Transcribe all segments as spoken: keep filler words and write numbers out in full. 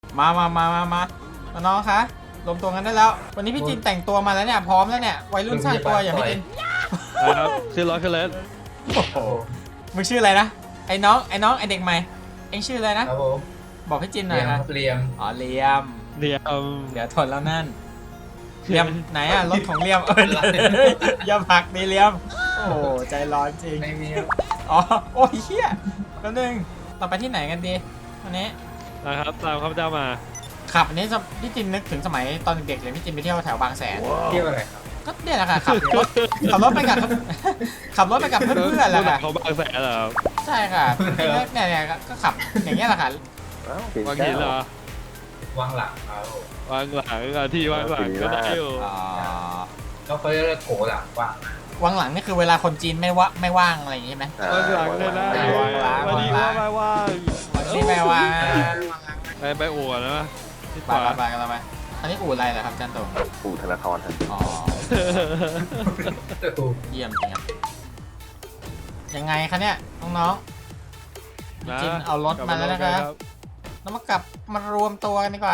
มามามามามาน้องคะรวมตัวกันได้แล้ว วันนี้พี่จินแต่งตัวมาแล้วเนี่ยพร้อมแล้วเนี่ยวัยรุ่นสร้างตัวอย่างพี่จินนะครับชื่อร้อยคือเลสโอ้โหมึงชื่ออะไรนะไอ้น้องไอ้น้องไอ้เด็กใหม่เอ็งชื่ออะไรนะครับผมบอกพี่จินหน่เรีอย ยมนะเรียมอ๋อเลียมเดียวเดี๋ยวทนแล้วนั่นเลียมไหนอะรถของเลียมเอออย่าผลักดิเลียมโอ้โหใจร้อนจริงไม่มีอ๋อโอ้ยเฮียแป๊บนึงเราไปที่ไหนกันดีวันนี้นะครับตามข้าพเจ้ามาขับอันนี้พี่จินนึกถึงสมัยตอนเด็กๆเลยพี่จินไปเที่ยวแถวบางแสนเที่ยวอะไรครับก็เนี่ยแหละค่ะขับรถขับรถไปกับขับรถไปกับเพื่อนๆแหละค่ะเขาบางแสนเหรอครับใช่ค่ะเนี่ยเนี่ยก็ขับอย่างเงี้ยแหละค่ะวางหินเหรอวางหลังเขาวางหลังอ่ะที่วางหลังก็ได้อยู่อ๋อแล้วเขาจะเรียกโถหลังว่างวางหลังนี่คือเวลาคนจีนไม่ว่าไม่ว่างอะไรอย่างงี้ใช่ไหมวางหลังเลยนะวางหลังวันนี้ว่าไม่ว่างวันนี้ไม่ว่างไปไปอวดนะที่ขไปวาไปกันแล้วไปอันนี้อู่อะไรเหรอครับจันโตปู่ธนาธรครับอ๋อเยี่ยมจริงครับยังไงคะเนี่ยน้องๆพี่จินเอารถมาแล้วนะครับแล้วมากลับมารวมตัวกันดีกว่า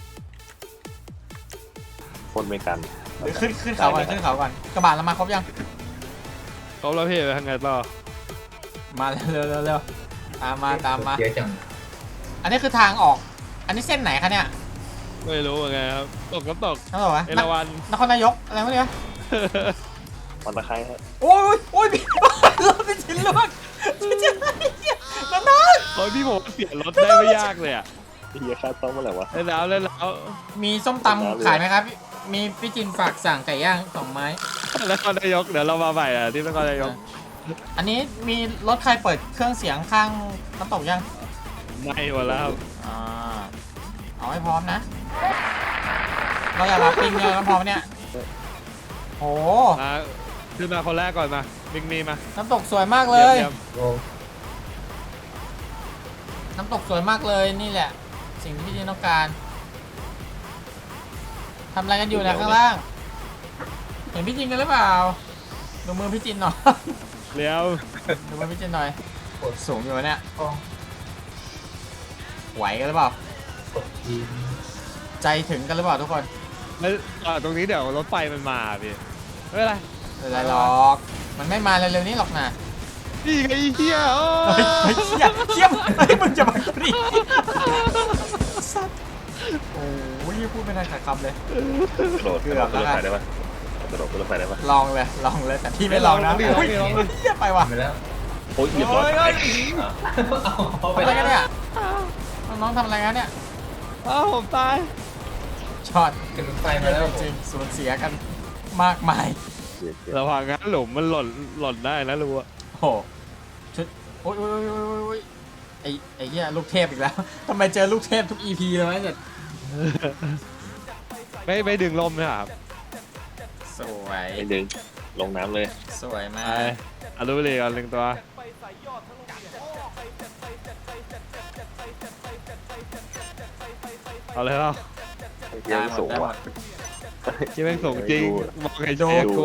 คนไม่กันหรือขึ้นขึ้นเขาก่อนขึ้นเขาก่อนกระบะเรามาครบยังเขาแล้วพี่ไปทางไงต่อมาเร็วเร็วเร็วเร็วตามมาตามมาเยอะจังอันนี้คือทางออก อันนี้เส้นไหนคะเนี่ยไม่รู้เหมือนกันครับตกก็ตกนั่นเหรอวะเอราวัณนครนายกอะไรวะเนี่ยวันตะไคร้ฮะโอ้ยโอ้ยพี่รถเป็นชิ้นล่วงพี่จินน้องน้องโอ้ยพี่ผมเสียรถได้ไม่ยากเลยอ่ะที่เฮียค่าต้มเมื่อไหร่วะเล่นแล้วเล่นแล้วมีส้มตำขายไหมครับ มีพี่จินฝากสั่งไก่ย่างสองไม้นครนายกเดี๋ยวเรามาใหม่อ่ะที่นครนายกอันนี้มีรถใครเปิดเครื่องเสียงข้างน้ำตกยังไม่หมดแล้วครับอ่าเอาให้พร้อมนะ เราอยากรับปิงเลยน้ำพร้อมเนี่ยโอ้มาขึ้นมาคนแรกก่อนมามิงมีมาน้ำตกสวยมากเลยยี่มโอ้น้ำตกสวยมากเลยนี่แหละ สิ่งที่พี่จินต้องการทำอะไรกันอยู่เนะข้างล่าง เห็นพี่จินกันหรือเปล่าดูมือพี่จินหน่อยเลี้ยวดูมือพี่จินหน่อยสูงอยู่วะเนี่ยกล้องไหวกันหรือเปล่ากดทีมใจถึงกันหรือเปล่าทุกคนแล้วอ่าตรงนี้เดี๋ยวรถไฟมันมาพี่ไม่เป็นไรไม่เป็นไรหรอก มันไม่มาเร็วๆนี้หรอกนะนี่ไงไอ้เหี้ยโอ้เฮ้ยเฮ้ยเชี่ยเชี่ยเฮ้ยมึงจะมากูดิสัตว์โอ้ยพูดไม่ทันขาดคำเลยกระโดดเกืกระอโดบดแล้วขึ้นรถกันไฟได้ปะกระโดดขึ้นรถไฟได้ปะลองเลยลองเลยแต่พี่ไม่ลองนะโอ้ยเหี้ยไปว่ะไปแล้วโอ้ยเหยียบรถเฮ้ยไปเฮ้ยเอาไปทำอะไรแล้วกันเนี่ยน้องๆทำอะไรกันเนี่ยอ้าวผมตายช็อตขึ้นรถไฟมาแล้วจริงๆสูญเสียกันมากมายเสียเสียระวังนะหลุมมันหล่นหล่นได้นะรู้อะโอ้โหชุดโอ้ยโอ้ยโอ้ยโอ้ยโอ้ยไอ้ไอ้เหี้ยลูกเทพอีกแล้วทำไมเจอลูกเทพทุก อี พี เลยวะเนี่ยไม่ไม่ดึงลมนะครับสวยไม่ดึงลงน้ำเลยสวยมาไปกอารูเลยก่อนหนึ่งตัวเอาเลยเอาเฮียสูงว่ะที่แม่งส่งจริงมองไอ้โจ๊กกลัว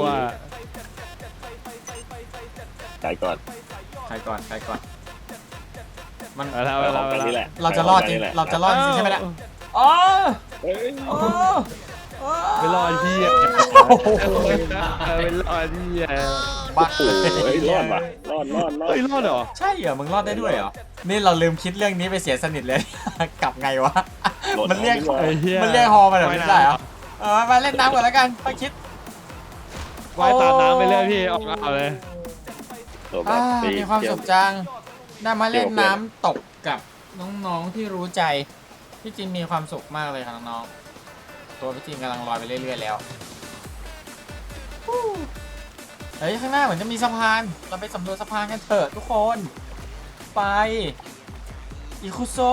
ไกลก่อนใครก่อนใครก่อนมันเอาแล้วไปเอาขแล้องวกันนี่แหละเราจะรอดจริงไปขเรากันนี่แหละจะรอดจริงใช่ไหมเนี่ยอ๋อเฮ้ยอ๋ออ๋อไม่รอดที่อ่ะไม่รอดที่อ่ะบ้าโอ้โหเฮ้ยรอดว่ะรอดรอดรอดเฮ้ยรอดเหรอใช่เหรอมึงรอดได้ด้วยเหรอนี่เราลืมคิดเรื่องนี้ไปเสียสนิทเลย กลับไงวะมันเรียกไอ้เหี้ยมันเรียกฮอมาแบบนี้ได้เหรอเออมาเล่นน้ำก่อนแล้วกันไปคิดว่ายตามน้ำไปเรื่อยพี่ออกเอาเลยตัวแบอ่าบมีความสุขจังได้มาเล่นน้ำตกกับน้องๆที่รู้ใจพี่จินมีความสุขมากเลยค่ะน้องๆตัวพี่จินกำลังลอยไปเรื่อยๆแล้วฮู้เฮ้ยข้างหน้าเหมือนจะมีสะพานเราไปสำรวจสะพานกันเถอะทุกคนไปอิคุโซ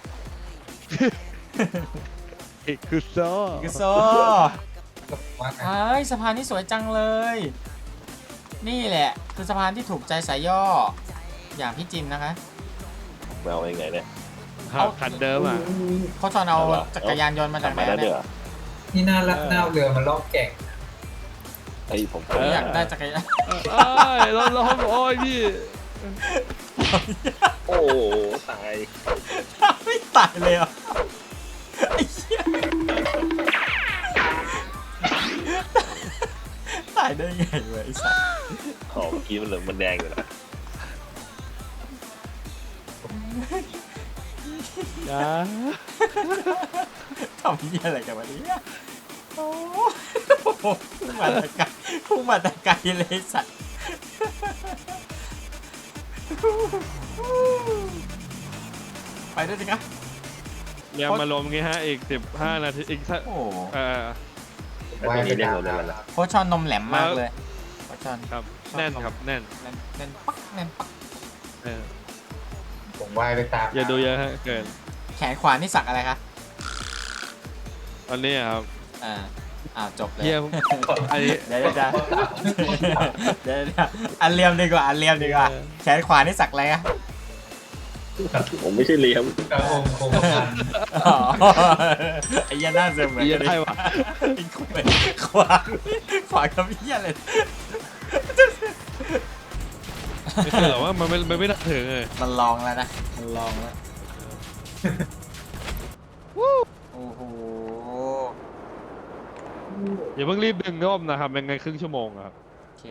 อีกคือโซ่อิคุโซก็ว่ากันไอ้ยสะพานที่สวยจังเลย นี่แหละคือสะพานที่ถูกใจสายย่ออย่างพี่จินนะคะแมวยังไงเนี่ยคันเดิมอ่ะเขาชอนเอาจักรยานยนต์มาจากทำไหนมาได้เดืเนี่อยนี่น่ารักน่าเรือมาล่องแก่งไอ้ผมผมอยากได้จักรยานเอ้ยรถล้มโอ้ยพี่โอ้โหตายไม่ตายเลยเหรอ่ะายได้ไงวะไอ้สัสอ๋อเมื่อกี้มันเหลืองมันแดงอยู่นะอย่าทำเหี้ยอะไรกันวะเนี่ยโอ้โหพุ่งมาแตะไกลพุ่งมาแตะไกลเลยไอ้สัสไปด้วยสิครับยังมาลมงี้ฮะอีกสิบห้านาทีอีกสักโอ้โหเออไอ้ตัวนี้เรียกเราได้แล้วโคชชอนนมแหลมมากเลยโคชชอนครับแน่นครับแน่นแน่นแน่นปักแน่นปักเออผมว่ายไปตามอย่าดูเยอะฮะเกินแขนขวานี่สักอะไรคะตอนนี้ครับอ่าอ้าวจบเลยเยี่ยมอันนี้เดี๋ยวเดี๋ยวเดี๋ยวเดี๋ยวเดี๋ยวอันเลียมดีกว่าอันเลียมดีกว่าแขนขวานี่สักอะไรอะผมไม่ใช่เลี้ยมกระโองโคงกันอ๋อไอ้เหี้ยันหน้าเสมเหมือนเยี่ยกันมได้วะไอ้คุยขวาขวากับเหี้ยเลยไม่คือหรอกว่ามันไม่มันไม่ได้ถึงเลยมันลองแล้วนะมันลองแล้วโอ้โหอย่าเพิ่งรีบดึงร่มนะครับเป็นไงครึ่งชั่วโมงอะครับโอเค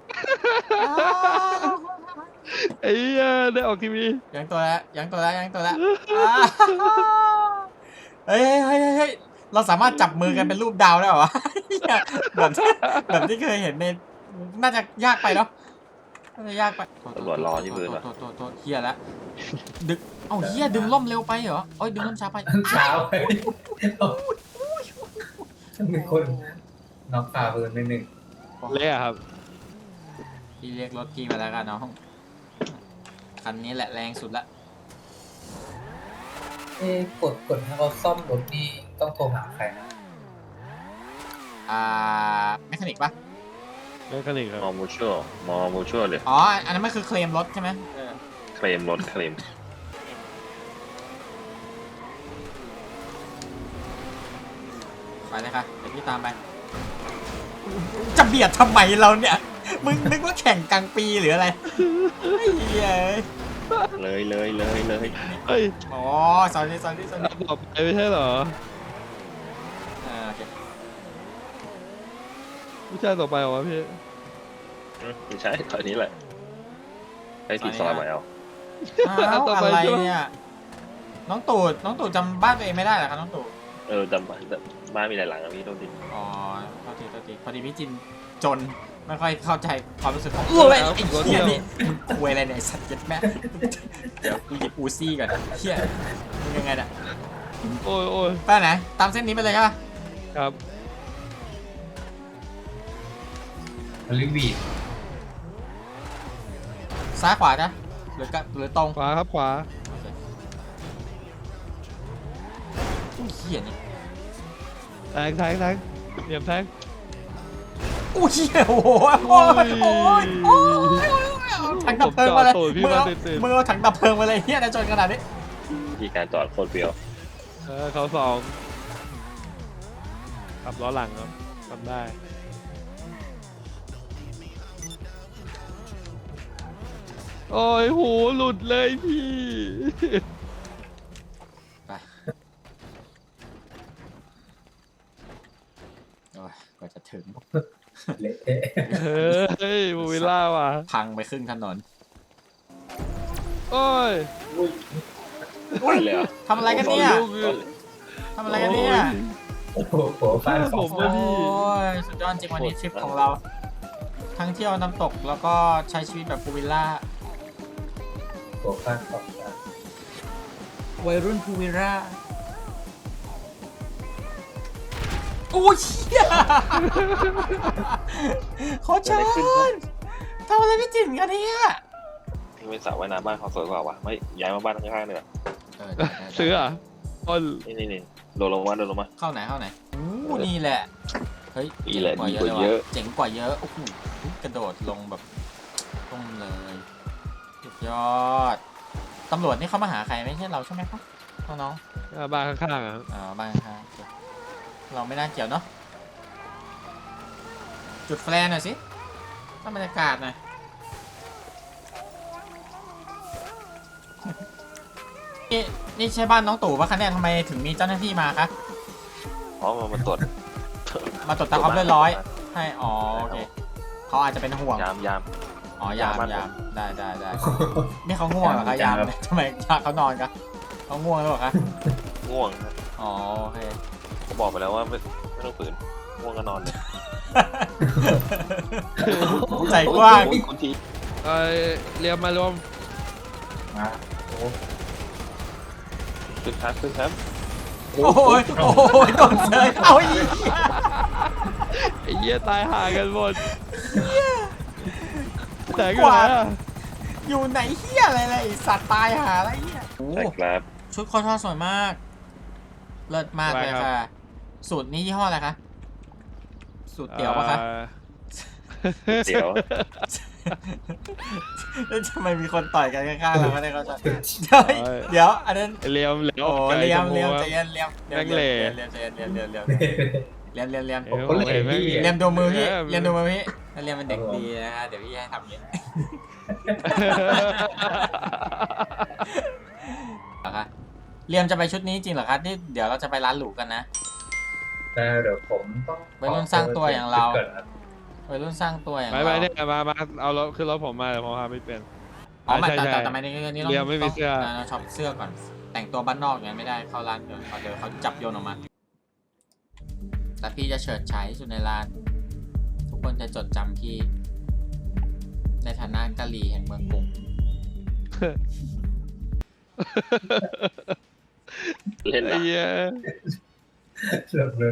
ไอ้เหี้ยได้ออกทีวียังตัวแล้วยังตัวแล้วยังตัวแล้วอ่าเฮ้ยเฮ้ยเฮ้ยเฮ้ยเราสามารถจับมือกันเป็นรูปดาวได้เหรอวะเหี้ยแบบที่แบบที่เคยเห็นในน่าจะยากไปเนาะน่าจะยากไปตำรวจรอที่พื้นโทอ่ะษโทษโทษเฮียแล้วดึกเอ้าเฮียดึงล่มเร็วไปเหรอเอ้ยดึงล่มช้าไปเช้าไปมีคนน้องฝ่าปืนไปหนึ่งเละอะครับพี่เรียกรถพี่มาแล้วกันน้องคันนี้แหละแรงสุดละเอ๊ะกดกดให้เขาซ่อมรถนี่ต้องโทรหาใครนะอ่าแมคานิกปะแมคานิกครับมอมูชัวมอมูชัวเลยอ๋ออันนั้นมันคือเคลมรถใช่ไหมเออเคลมรถเคลมไปเลยค่ะเดี๋ยวพี่ตามไปจะเบียดทำไมเราเนี่ยมึงนึกว่าแข่งกลางปีหรืออะไรไอ้เหี้ยเลยเลยเลยเลยเฮ้ยอ๋อสอนนี่สอนนี่สอนนี่ต่อไปไม่ใช่เหรออ่าโอเคผู้ชายต่อไปเหรอวะพี่ไม่ใช่ตอนนี้แหละไอ้ติดซอยมาเอาอ้าวอะไรเนี่ยน้องตูดน้องตูดจำบ้านตัวเองไม่ได้เหรอครับน้องตูดเออจำบ้านบ้านมีหลายหลังอะพี่โทษทีอ๋อโทษทีโทษทีพอดีพี่จินจนไม่ค่อยเข้าใจความรู้สึกของอ้วยไอ้เหี้ยนี่มึงคุยอะไรเนี่ยไอ้สัตว์เจ็ดแม่เดี๋ยวกูหยิบอูซี่ก่อนเหี้ยมึงยังไงเนี่ยโอ้ยโอ้ยไปไหนตามเส้นนี้ไปเลยใช่ปะครับลิวีดซ้ายขวาจ้ะหรือกะหรือตรงขวาครับขวาโอเคอุ้ยเหี้ยนี่แทงแทงแทงเหลี่ยมแทงอุ้ยเหี้ยโอ้โหโอ้ยโอ้ยโอ้ยเอาถังดับเพลิงมาเลยผมจอดตูดพี่มึงมาเอาตื่นมึงเอาถังดับเพลิงมาเลยเหี้ยนะจนขนาดนี้ที่การจอดโคตรเปรี้ยวๆเออเขาสองขับล้อหลังครับทำได้โอ้ยหูหลุดเลยพี่ไปโอ้ยกว่าจะถึงเละเทะเฮ้ยมูวิลล่าว่ะพังไปครึ่งถนนโอ้ยไปเลยเหรอ่ะทำอะไรกันเนี่ยลูกคือทำอะไรกันเนี่ยโอ้โหโผล่ฟ้าสผองมโอ้ยสุดยอดจริงวันนี้ทริปของเรา ทั้งเที่ยวน้ำตกแล้วก็ใช้ชีวิตแบบพูลวิลล่าโผล่ฟ้าสองวัยรุ่นพูลวิลล่าโอ้ยเชี่ยโคชชอนทำอะไรพี่จิ๋มกันเนี่ยที่ไม่สระว่ายน้ำบ้านเขาสวยกว่าวะไม่ย้ายมาบ้านข้างๆเลยเออได้ได้ได้ซื้ออ่ะอ้นนี่นี่นี่โดนลงมาโดนลงมาเข้าไหนเข้าไหนอู้นี่แหละ เฮ้ยนี่แหละเจ๋งดีกว่าเยอะเจ๋งกว่าเยอะโอ้โหกระโดดลงแบบลงเลยสุดยอดตำรวจนี่เขามาหาใครไม่ใช่เราใช่ไหมครับน้องอ่าบ้านข้างๆอ่ะๆอ๋อบ้างครับโอเคเราไม่น่าเกี่ยวเนาะจุดแฟลร์หน่อยสิตั้งบรรยากาศหน่อยนี่นี่ใช่บ้านน้องตู่ปะคะเนี่ยทำไมถึงมีเจ้าหน้าที่มาคะเพราะมันมาตรวจมาตรวจตามความเรียบร้อยใช่อ๋อโอเคเขาอาจจะเป็นห่วงยามยามอ๋อยามยามยามได้ได้ได้นี่เขาง่วงเหรอคะยามทำไมเขานอนกันเขาง่วงหรือเปล่าคะง่วงครับอ๋อโอเคผมบอกไปแล้วว่าไม่ไม่ต้องฝืนง่วงก็นอนเลยใจกว้างโอ้ยคุณทีเออเรียมมารวมมาโอ้ขึ้นครับขึ้นครับโอ้ยโอ้ยโดนเซยเอาอีกไอ้เหี้ยตายห่ากันหมดแต่ก็ไหนอะอยู่ไหนเฮียอะไรเลยไอ้สัตว์ตายหาอะไรเฮียโอ้ใช่ครับชุดคอทอสวยมาก เลิศมากเลยค่ะ สูตรนี้ยี่ห้ออะไรคะ สูตรเตี๋ยวปะคะอ่อเดี๋ยวแล้วทำไมมีคนต่อยกันข้างๆเราไม่ได้เข้าใจเดี๋ยวเดี๋ยวอันนั้นเลียมเหลวโอ้ไก่เลี้ยมชเลี้ยมพูใจอะเย็นเลี้ยมแม่งเหล่เลี้ยมใจเย็นเลี้ยมเลี้ยมเลี้ยมเลี้ยมเลี้ยมเลี้ยมเอ้ยผมเห็นแม่งเลี้ยมดูมือพี่เออเลี้ยมดูมือพี่ถ้าเลี้ยมเป็นเด็กดีนะฮะเดี๋ยวพี่ให้ทำอย่างนี้เหรอคะเลี้ยมจะไปชุดนี้จริงเหรอคะที่เดี๋ยวเราจะไปร้านหรูกันนะแต่เดี๋ยวผมต้องวัยรุ่นสร้างตัวอย่างเราก่อนครับวัยรุ่นสร้างตัวอย่างไปเราไปเนี่ยมามาเอารถขึ้นรถผมมาเดี๋ยวผมพาไปเปลี่ยนอ๋อไม่ใช่แต่ใช่แต่แต่ไม่ได้นี่ต้องเลี้ยมไม่มีเสื้อต้องช็อปเสื้อก่อน แต่งตัวบ้านนอกอย่างนั้นไม่ได้เข้าร้านเดี๋ยวเขาเดี๋ยวเขาจับโยนออกมา แต่พี่จะเฉิดฉายที่สุดในร้าน ทุกคนจะจดจำพี่ ในฐานะกะหรี่แห่งเมืองกรุงเล่นไอ้นะเหี้ยเริ่มเริ่ม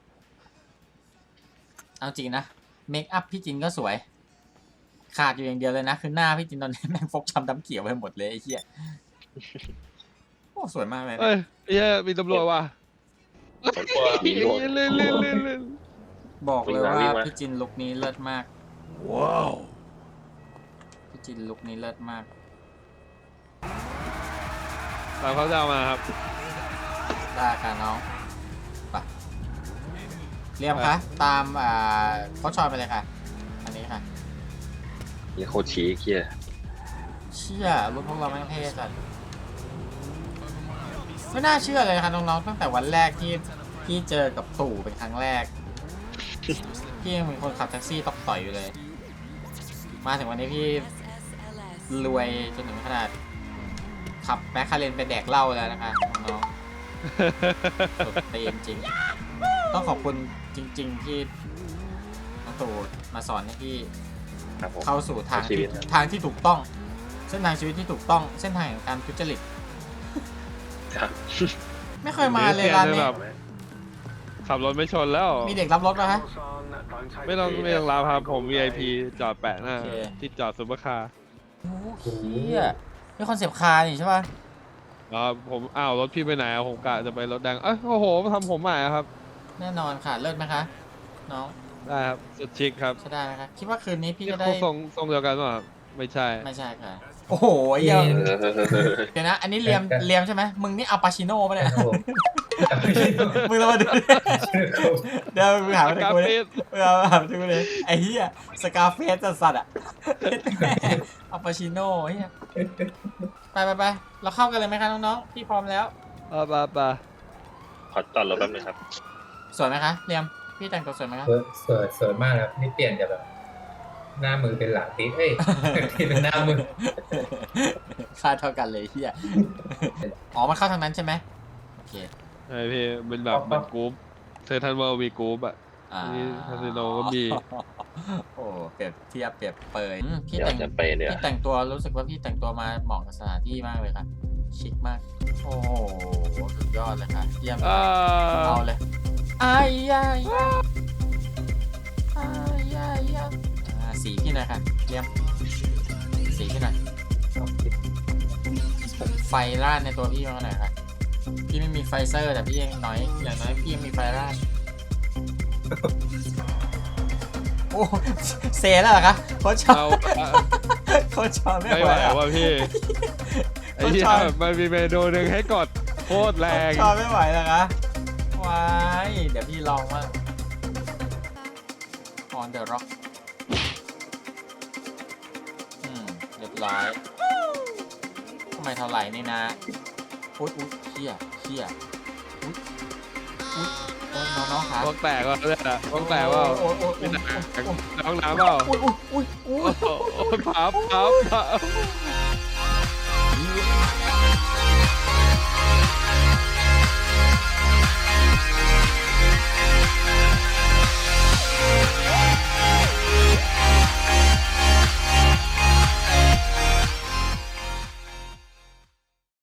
เอาจริงนะเมคอัพพี่จินก็สวย ขาดอยู่อย่างเดียวเลยนะ คือหน้าพี่จินตอนนี้แม่งฟกช้ำดำเขียวไปหมดเลยไอ้เหี้ยโอ้สวยมากเลยนะเอ้ยไอ้เหี้ยมีตำรวจว่ะมีโดนเล่นเล่นเล่นเล่นบอกเลยวิ่งว่ามาวิ่งมาพี่จินลุคนี้เลิศมากว้าวพี่จินลุคนี้เลิศมากตามเขาจะเอามาครับได้ค่ะน้องไปเรียมคะตามอ่าโค้ชชอยไปเลยค่ะ อันนี้ค่ะนี่โคตรชี้เคียเชื่อรุ่นพวกเราแม่งเท่จัดไม่น่าเชื่อเลยค่ะน้องๆตั้งแต่วันแรกที่ที่เจอกับตู่เป็นครั้งแรกพี่ยังเป็นคนขับแท็กซี่ตอกต่อยอยู่เลย มาถึงวันนี้พี่รวยจนถึงขนาดขับแมคคาเรนไปแดกเหล้าแล้วนะคะน้องๆสุดตีนจริงต้องขอบคุณจริง ๆ ที่น้องตู่มาสอนให้พี่ครับผมเข้าสู่ทางชีวิที่ตนะทางที่ถูกต้อง เส้นทางชีวิตที่ถูกต้อง เส้นทางแห่งการทุจริตครับไม่เคยมาเลยร้านนี้แบบ ขับรถไม่ชนแล้วมีเด็กรับรถป่ะฮะไม่ต้องไม่ต้องรับครับผม วี ไอ พี จอดแปะหน้าโอเคที่จอดซุปเปอร์คาร์โอ้โหเฮียนี่คอนเซปต์คาร์นี่ใช่ป่ะอ๋อผมอ้าวรถพี่ไปไหนอะผมกะจะไปรถแดงเอ้ยโอ้โหมาทำผมใหม่อะครับแน่นอนค่ะเลิศไหมคะ น้องได้ครับสุดชิคครับใช่ได้ไหมคะคิดว่าคืนนี้พี่นี่จะได้ทรงทรงเดียวกันป่ะครับไม่ใช่ไม่ใช่ค่ะ โอ้โหเหี้ยนี่เดี๋ยวนะ อันนี้เลียมเลียมใช่ไหมมึงนี่อัลปาชิโน่ปะเนี่ยครับผมมึงเรามาดูดิเดี๋ยวมึงหามาดูกรากูดิฟิกมึงเอามาหามาดูกูเลยไอ้เหี้ยสกาเฟสสัตว์ๆอ่ะอัลปาชิโน่เหี้ยไปไปไปเราเข้ากันเลยไหมคะน้องๆพี่พร้อมแล้วอ่าปะปะขอจอดรถแป๊บนึงครับสวยไหมคะเลียมพี่แต่งตัวสวยไหมคะสวยสวยสวยมากครับนี่เปลี่ยนจากแบบ หน้ามือเป็นหลังตีเอ้ย ที่เป็นหน้ามือค่าเท่ากันเลยเฮียอ๋อมันเข้าทางนั้นใช่ไหมโอเคไอพี่เป็นแบบเหมันกรุ๊ปเซอร์ทันเวิลด์มีกรุ๊ปอะอ่านี่คาสิโนก็มีโอ้เปรียบเทียบเปรียบเปยอืมพี่เดี๋ยวแต่งจะไปเนี่ยพี่แต่งตัวรู้สึกว่าพี่แต่งตัวมาเหมาะกับสถานที่มากเลยค่ะชิคมากโอ้โหสุดยอดเลยค่ะเยี่ยมเลยอ่าเอาเลยอายยายยาอายยายยาอ่าสีพี่หน่อยค่ะเยี่ยมสีพี่หน่อยไฟราดในตัวพี่มาหน่อยค่ะพี่ไม่มีไฟเซอร์แต่พี่ยังน้อยอย่างน้อยพี่ยังมีไฟราดโอ้เซแล้วเหรอคะโค้ชชอเอาบโค้ชชอบไม่ไม่ไหไหววอะว่ะพี่ไอ้เหี้ยชอบมันมีเมนูหนึ่งให้กดโคตรแรงชอบไม่ไหวแล้วคะวายเดี๋ยวพี่ลองว่าง on the rock อืมเรียบร้อยทำไมเท่าไหร่นี่นะอุ๊ยอุ๊ยเขี้ยเขี้ยอุ๊ยอุ๊ยโอ้ยน้น้องๆขาพวกแตกว่าเนี่ยพวกแตกว่าโอ้ยโอ้ยโอ้ยไม่แตกโอ้ยน้องน้ำเปล่าอุ้ยอุ้ยอุ้ยอุ้ยโอ้โหพับพับพับ